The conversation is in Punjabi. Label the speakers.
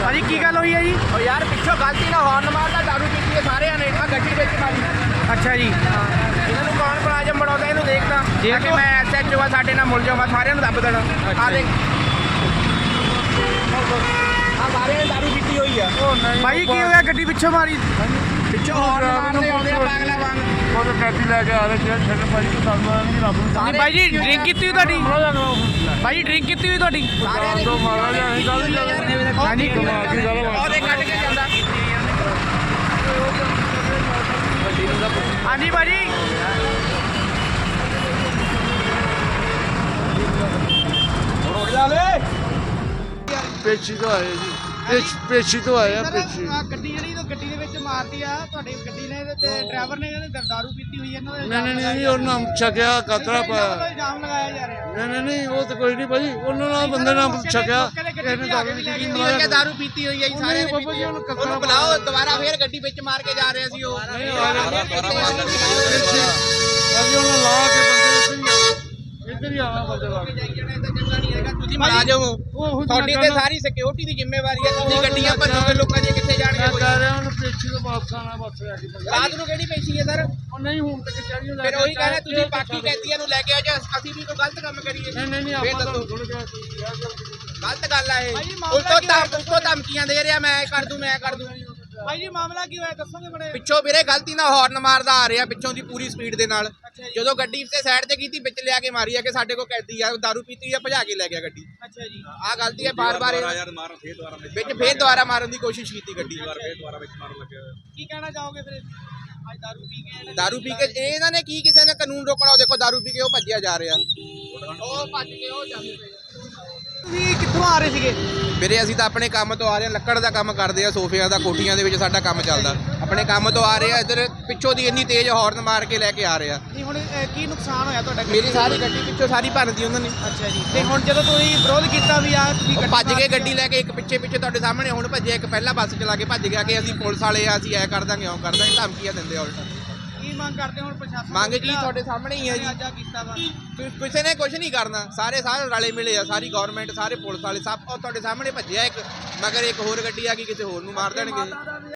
Speaker 1: ਭਾਜੀ ਕੀ ਗੱਲ ਹੋਈ ਹੈ ਜੀ?
Speaker 2: ਉਹ ਯਾਰ ਪਿੱਛੋਂ ਗਲਤੀ ਨਾਲ ਹਾਰਨ ਮਾਰਦਾ, ਦਾਰੂ ਪੀਤੀ ਹੈ ਸਾਰਿਆਂ ਨੇ, ਆ ਗੱਡੀ ਵਿੱਚ ਮਾਰੀ।
Speaker 1: ਅੱਛਾ ਜੀ,
Speaker 2: ਇਹਨਾਂ ਨੂੰ ਕੌਣ ਮੁਲਾਜ਼ਮ ਬਣਾਉਂਦਾ, ਇਹਨੂੰ ਦੇਖਦਾ ਕਿ ਮੈਂ ਐਸਐਚਓ ਆ, ਸਾਡੇ ਨਾਲ ਮੁਲਜ਼ਮ ਆ, ਸਾਰਿਆਂ ਨੂੰ ਦੱਬ ਦੇਣਾ। ਆ ਦੇਖ ਆ ਸਾਰਿਆਂ ਨੇ ਦਾਰੂ ਪੀਤੀ ਹੋਈ ਆ।
Speaker 1: ਭਾਜੀ ਕੀ ਹੋਇਆ? ਗੱਡੀ ਪਿੱਛੋਂ ਮਾਰੀ?
Speaker 2: ਪਿੱਛੋਂ ਹਾਰਨ ਮਾਰਦੇ ਆਉਂਦੇ ਆ ਪਾਗਲਾ ਵਾਂਗ।
Speaker 3: ਉਹ ਤਾਂ ਟੈਕਸੀ ਲੈ ਕੇ ਆ ਰਹੇ ਸੀ ਛੱਡ ਭਾਈ ਤੋਂ ਸਾਨੂੰ ਨਹੀਂ ਰੱਬ ਨੂੰ
Speaker 1: ਨਹੀਂ ਭਾਈ ਜੀ, ਡਰਿੰਕ ਕੀਤੀ ਹੋਈ ਤੁਹਾਡੀ? ਭਾਈ ਡਰਿੰਕ ਕੀਤੀ ਹੋਈ ਤੁਹਾਡੀ?
Speaker 2: ਸਾਰਿਆਂ ਨੇ
Speaker 3: ਤੋਂ ਮਾਰਾ ਜਾਂ ਇਹ ਗੱਲ ਹੀ
Speaker 1: ਹਾਂਜੀ
Speaker 3: ਕਮਾਲ ਦੀ ਗੱਲ ਵਾ।
Speaker 2: ਉਹਦੇ ਕੱਢ ਕੇ ਜਾਂਦਾ।
Speaker 1: ਹਾਂਜੀ ਭਾਜੀ,
Speaker 3: ਪੇਚੀ ਤੋਂ ਆਏ ਜੀ, ਪੇਚੀ ਤੋਂ ਆਏ ਆ ਪੇਚੀ।
Speaker 1: ਗੱਡੀ ਜਿਹੜੀ ਗੱਡੀ ਦੇ ਵਿੱਚ ਮਾਰਦੀ ਆ ਤੁਹਾਡੀ ਗੱਡੀ ਨੇ ਤੇ ਡਰਾਈਵਰ ਨੇ ਕਹਿੰਦੇ ਦਾਰੂ ਪੀਤੀ ਹੋਈ ਇਹਨਾਂ ਦੇ
Speaker 3: ਨਹੀਂ ਉਹਨਾਂ ਛਕਿਆ ਕਤਰਾ ਪਾਇਆ।
Speaker 1: ਇਲਜ਼ਾਮ ਲਗਾਇਆ ਜਾ ਰਿਹਾ।
Speaker 3: ਨਹੀਂ ਉਹ ਤਾਂ ਕੋਈ ਨਹੀਂ ਭਾਜੀ, ਉਹਨਾਂ ਨਾਲ ਬੰਦੇ ਨਾਲ ਛਕਿਆ ਇਹਨੇ ਦਾਰੂ ਪੀਤੀ
Speaker 2: ਹੋਈ ਹੈ, ਦਾਰੂ ਪੀਤੀ ਹੋਈ ਹੈ ਜੀ ਸਾਰਿਆਂ ਨੇ।
Speaker 3: ਬਾਬਾ ਜੀ ਉਹਨੂੰ
Speaker 2: ਉਹਨੂੰ ਬੁਲਾਓ ਦੁਬਾਰਾ, ਫੇਰ ਗੱਡੀ ਵਿੱਚ ਮਾਰ ਕੇ ਜਾ ਰਿਹਾ ਸੀ ਉਹ।
Speaker 3: ਭਾਜੀ ਉਹਨਾਂ ਲਾ ਕੇ ਬੰਦੇ ਇੱਧਰ ਹੀ ਆਣਾ ਬੰਦੇ ਲਾ ਕੇ।
Speaker 2: ਤੁਸੀਂ ਮੁਲਾਜ਼ਮ ਹੋ, ਤੁਹਾਡੀ ਤੇ ਸਾਰੀ ਸਿਕਿਉਰਿਟੀ ਦੀ ਜ਼ਿੰਮੇਵਾਰੀ ਹੈ। ਤੁਸੀਂ ਗੱਡੀਆਂ ਭੰਨੋਗੇ, ਲੋਕਾਂ ਦੀਆਂ ਕਿੱਥੇ ਜਾਣਗੇ?
Speaker 3: ਮੈਂ ਕਹਿ ਰਿਹਾ ਉਹਨੂੰ ਪੇਚੀ ਤੋਂ ਵਾਪਸ ਆਣਾ, ਬਸ ਆ ਕੇ
Speaker 2: ਰਾਤ ਨੂੰ ਕਿਹੜੀ ਪੈਸੀ ਹੈ ਸਰ?
Speaker 3: ਉਹ ਨਹੀਂ ਹੁਣ ਤੱਕ ਚਾਹੀਏ।
Speaker 2: ਫਿਰ ਉਹੀ ਕਹਿੰਦਾ ਤੁਸੀਂ ਬਾਕੀ ਕੈਦੀਆਂ ਨੂੰ ਲੈ ਕੇ ਆਓ, ਜਾਂ ਅਸੀਂ ਵੀ ਕੋਈ ਗਲਤ ਕੰਮ ਕਰੀਏ?
Speaker 3: ਨਹੀਂ
Speaker 2: ਆਪਾਂ
Speaker 3: ਤਾਂ ਸੁਣ ਗਿਆ
Speaker 2: ਗਲਤ ਗੱਲ ਆ ਇਹ। ਉਲਟੋ ਧਮਕੀਆਂ ਦੇ ਰਿਹਾ, ਮੈਂ ਇਹ ਕਰ ਦੂੰ, ਮੈਂ ਕਰ ਦੂੰ।
Speaker 1: ਭਾਈ ਜੀ ਮਾਮਲਾ ਕੀ ਹੋਇਆ ਦੱਸੋਗੇ ਬੜੇ?
Speaker 2: ਪਿੱਛੋਂ ਵੀਰੇ ਗਲਤੀ ਨਾਲ ਹਾਰਨ ਮਾਰਦਾ ਆ ਰਿਹਾ, ਪਿੱਛੋਂ ਦੀ ਪੂਰੀ ਸਪੀਡ ਦੇ ਨਾਲ। ਜਦੋਂ ਗੱਡੀ ਤੇ ਸਾਈਡ ਤੇ ਕੀਤੀ, ਵਿੱਚ ਲਿਆ ਕੇ ਮਾਰੀ ਆ ਕਿ ਸਾਡੇ ਕੋਲ ਕੈਦੀ ਆ, ਦਾਰੂ ਪੀਤੀ ਆ, ਭਜਾ ਕੇ ਲੈ ਗਿਆ ਗੱਡੀ।
Speaker 1: ਅੱਛਾ ਜੀ,
Speaker 2: ਆਹ ਗਲਤੀ ਹੈ ਬਾਰ-ਬਾਰ ਵਿੱਚ ਫੇਰ ਦੁਬਾਰਾ ਮਾਰਨ ਦੀ ਕੋਸ਼ਿਸ਼ ਕੀਤੀ ਗੱਡੀ।
Speaker 1: ਕੀ ਕਹਿਣਾ ਚਾਹੋਗੇ ਫਿਰ ਅੱਜ
Speaker 2: ਦਾਰੂ ਪੀ ਕੇ ਇਹਨਾਂ ਨੇ ਕੀ ਕਿਸੇ ਨੇ ਕਾਨੂੰਨ ਰੋਕਣਾ? ਉਹ ਦੇਖੋ ਦਾਰੂ ਪੀ ਕੇ ਉਹ ਭੱਜਿਆ ਜਾ ਰਿਹਾ, ਉਹ ਭੱਜ ਕੇ ਉਹ ਜਾਂਦੇ ਪਏ।
Speaker 1: ਤੁਸੀਂ ਕਿੱਥੋਂ ਆ ਰਹੇ ਸੀਗੇ?
Speaker 2: ਵੀਰੇ ਅਸੀਂ ਤਾਂ ਆਪਣੇ ਕੰਮ ਤੋਂ ਆ ਰਹੇ ਹਾਂ, ਲੱਕੜ ਦਾ ਕੰਮ ਕਰਦੇ ਆ, ਸੋਫਿਆਂ ਦਾ, ਕੋਠੀਆਂ ਦੇ ਵਿੱਚ ਸਾਡਾ ਕੰਮ ਚੱਲਦਾ। ਆਪਣੇ ਕੰਮ ਤੋਂ ਆ ਰਹੇ ਆ, ਇੱਧਰ ਪਿੱਛੋਂ ਦੀ ਇੰਨੀ ਤੇਜ਼ ਹਾਰਨ ਮਾਰ ਕੇ ਲੈ ਕੇ ਆ ਰਹੇ ਆ।
Speaker 1: ਨਹੀਂ ਹੁਣ ਕੀ ਨੁਕਸਾਨ ਹੋਇਆ ਤੁਹਾਡਾ?
Speaker 2: ਮੇਰੀ ਸਾਰੀ ਗੱਡੀ ਪਿੱਛੋਂ ਸਾਰੀ ਭੰਨਦੀ ਉਹਨਾਂ ਨੇ।
Speaker 1: ਅੱਛਾ ਜੀ, ਤੇ ਹੁਣ ਜਦੋਂ ਤੁਸੀਂ ਵਿਰੋਧ ਕੀਤਾ ਵੀ ਆ ਤੁਸੀਂ
Speaker 2: ਉਹ ਭੱਜ ਕੇ ਗੱਡੀ ਲੈ ਕੇ, ਇੱਕ ਪਿੱਛੇ ਤੁਹਾਡੇ ਸਾਹਮਣੇ ਹੁਣ ਭੱਜਿਆ, ਇੱਕ ਪਹਿਲਾਂ ਬੱਸ ਚਲਾ ਕੇ ਭੱਜ ਗਿਆ ਕਿ ਅਸੀਂ ਪੁਲਿਸ ਵਾਲੇ ਆ, ਅਸੀਂ ਐ ਕਰ ਦਾਂਗੇ, ਉਹ ਕਰ ਦਾਂਗੇ, ਧਮਕੀਆਂ ਦਿੰਦੇ ਆ ਉਲਟਾ।
Speaker 1: ਕੀ ਮੰਗ ਕਰਦੇ ਹੁਣ ਪ੍ਰਸ਼ਾਸਨ?
Speaker 2: ਮੰਗ ਕੀ ਤੁਹਾਡੇ ਸਾਹਮਣੇ ਹੀ ਹੈ ਜੀ।
Speaker 1: ਆਜਾ ਕੀਤਾ ਵਾ
Speaker 2: ਕਿਸੇ ਨੇ ਕੁਝ ਨਹੀਂ ਕਰਨਾ, ਸਾਰੇ ਰਲੇ ਮਿਲੇ ਆ, ਸਾਰੀ ਗਵਰਨਮੈਂਟ, ਸਾਰੇ ਪੁਲਿਸ ਵਾਲੇ ਸਭ। ਉਹ ਤੁਹਾਡੇ ਸਾਹਮਣੇ ਭੱਜਿਆ ਇੱਕ, ਮਗਰ ਇੱਕ ਹੋਰ ਗੱਡੀ ਆ ਗਈ, ਕਿਸੇ ਹੋਰ ਨੂੰ ਮਾਰ ਦੇਣਗੇ।